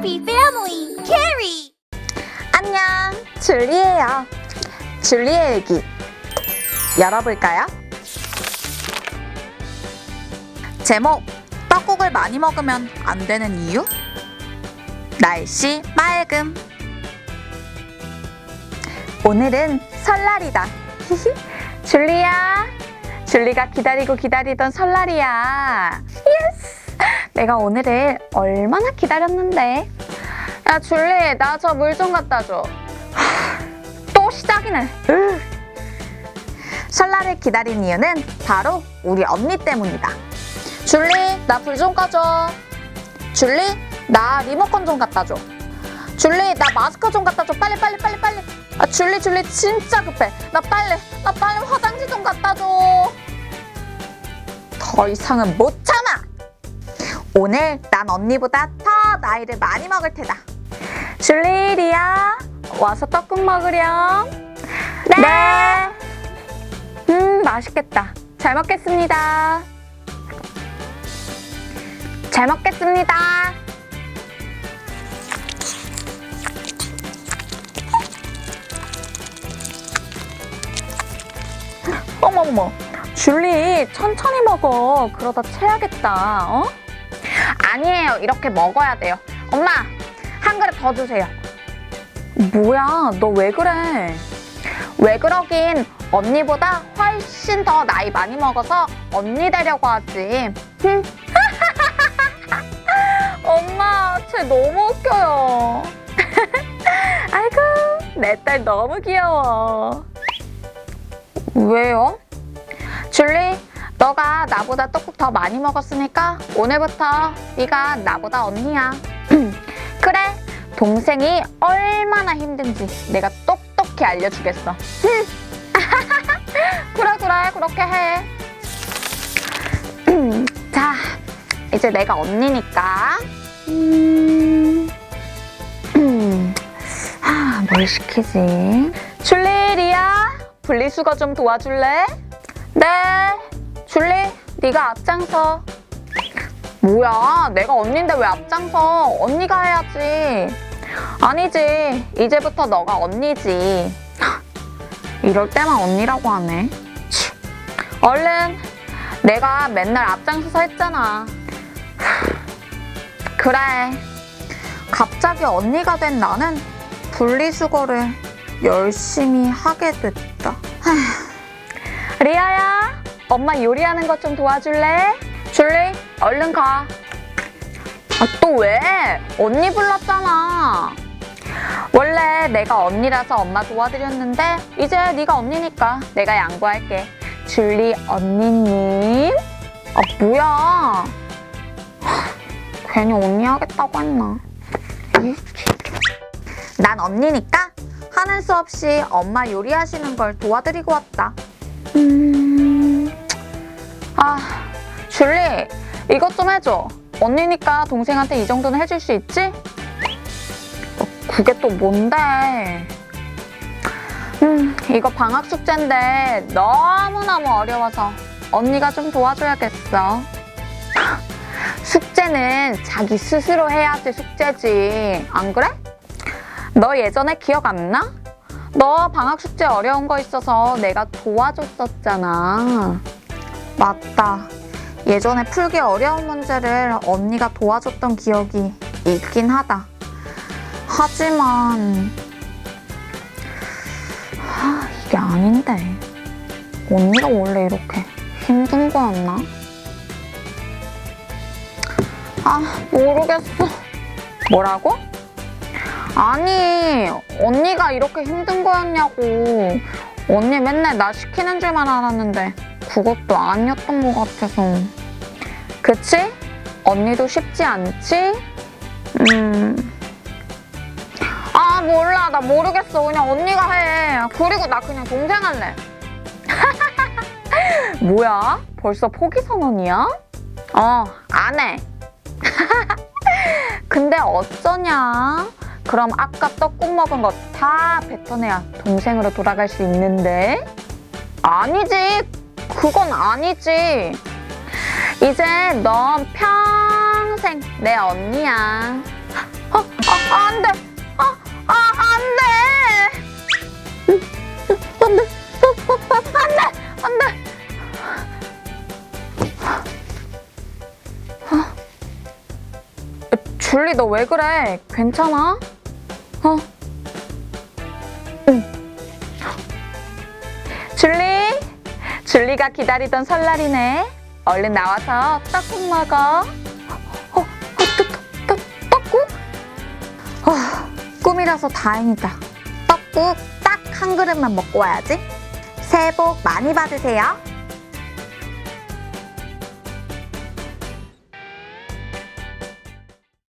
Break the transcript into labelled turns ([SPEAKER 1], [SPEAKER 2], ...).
[SPEAKER 1] Happy family, Carrie!
[SPEAKER 2] 안녕, 줄리예요. 줄리의 얘기 열어볼까요? 제목, 떡국을 많이 먹으면 안 되는 이유? 날씨 맑음. 오늘은 설날이다. 줄리야, 줄리가 기다리던 설날이야. 예스! 내가 오늘을 얼마나 기다렸는데. 야, 줄리, 나 저 물 좀 갖다 줘. 또 시작이네. 설날을 기다린 이유는 바로 우리 언니 때문이다. 줄리, 나 불 좀 꺼줘. 줄리, 나 리모컨 좀 갖다 줘. 줄리, 나 마스크 좀 갖다 줘. 빨리. 아, 줄리 진짜 급해. 나 빨리 화장지 좀 갖다 줘. 더 이상은 못 참아. 오늘 난 언니보다 더 나이를 많이 먹을 테다. 줄리, 리아, 와서 떡국 먹으렴. 네. 맛있겠다. 잘 먹겠습니다. 잘 먹겠습니다. 어머머, 줄리 천천히 먹어. 그러다 체하겠다. 어? 아니에요. 이렇게 먹어야 돼요. 엄마, 한 그릇 더 주세요. 뭐야, 너 왜 그래? 왜 그러긴, 언니보다 훨씬 더 나이 많이 먹어서 언니 되려고 하지. 엄마, 쟤 너무 웃겨요. 아이고, 내 딸 너무 귀여워. 왜요? 줄리, 너가 나보다 떡국 더 많이 먹었으니까 오늘부터 네가 나보다 언니야. 그래, 동생이 얼마나 힘든지 내가 똑똑히 알려주겠어. 그래, 그렇게 해. 자, 이제 내가 언니니까 뭘 시키지? 줄리, 리아, 분리수거 좀 도와줄래? 네. 줄리, 네가 앞장서. 뭐야, 내가 언니인데 왜 앞장서? 언니가 해야지. 아니지, 이제부터 너가 언니지. 이럴 때만 언니라고 하네. 얼른, 내가 맨날 앞장서서 했잖아. 그래, 갑자기 언니가 된 나는 분리수거를 열심히 하게 됐다. 리아야, 엄마 요리하는 것 좀 도와줄래? 줄리, 얼른 가. 아, 또 왜? 언니 불렀잖아. 원래 내가 언니라서 엄마 도와드렸는데 이제 네가 언니니까 내가 양보할게. 줄리 언니님. 아, 뭐야. 괜히 언니 하겠다고 했나. 난 언니니까 하는 수 없이 엄마 요리하시는 걸 도와드리고 왔다. 아, 줄리, 이것 좀 해줘. 언니니까 동생한테 이 정도는 해줄 수 있지? 그게 또 뭔데? 이거 방학 숙제인데 너무너무 어려워서 언니가 좀 도와줘야겠어. 숙제는 자기 스스로 해야지 숙제지. 안 그래? 너 예전에 기억 안 나? 너 방학 숙제 어려운 거 있어서 내가 도와줬었잖아. 맞다. 예전에 풀기 어려운 문제를 언니가 도와줬던 기억이 있긴 하다. 하지만 이게 아닌데. 언니가 원래 이렇게 힘든 거였나? 모르겠어. 뭐라고? 아니, 언니가 이렇게 힘든 거였냐고. 언니 맨날 나 시키는 줄만 알았는데 그것도 아니었던 것 같아서. 그치? 언니도 쉽지 않지? 몰라. 나 모르겠어. 그냥 언니가 해. 그리고 나 그냥 동생 할래. 뭐야? 벌써 포기 선언이야? 안 해. 근데 어쩌냐? 그럼 아까 떡국 먹은 거 다 뱉어내야 동생으로 돌아갈 수 있는데? 아니지. 그건 아니지. 이제 넌 평생 내 언니야. 안 돼. 안 돼. 안 돼. 안 돼. 줄리, 너 왜 그래? 괜찮아? 응. 줄리가 기다리던 설날이네. 얼른 나와서 떡국 먹어. 떡국? 꿈이라서 다행이다. 떡국 딱 한 그릇만 먹고 와야지. 새해 복 많이 받으세요.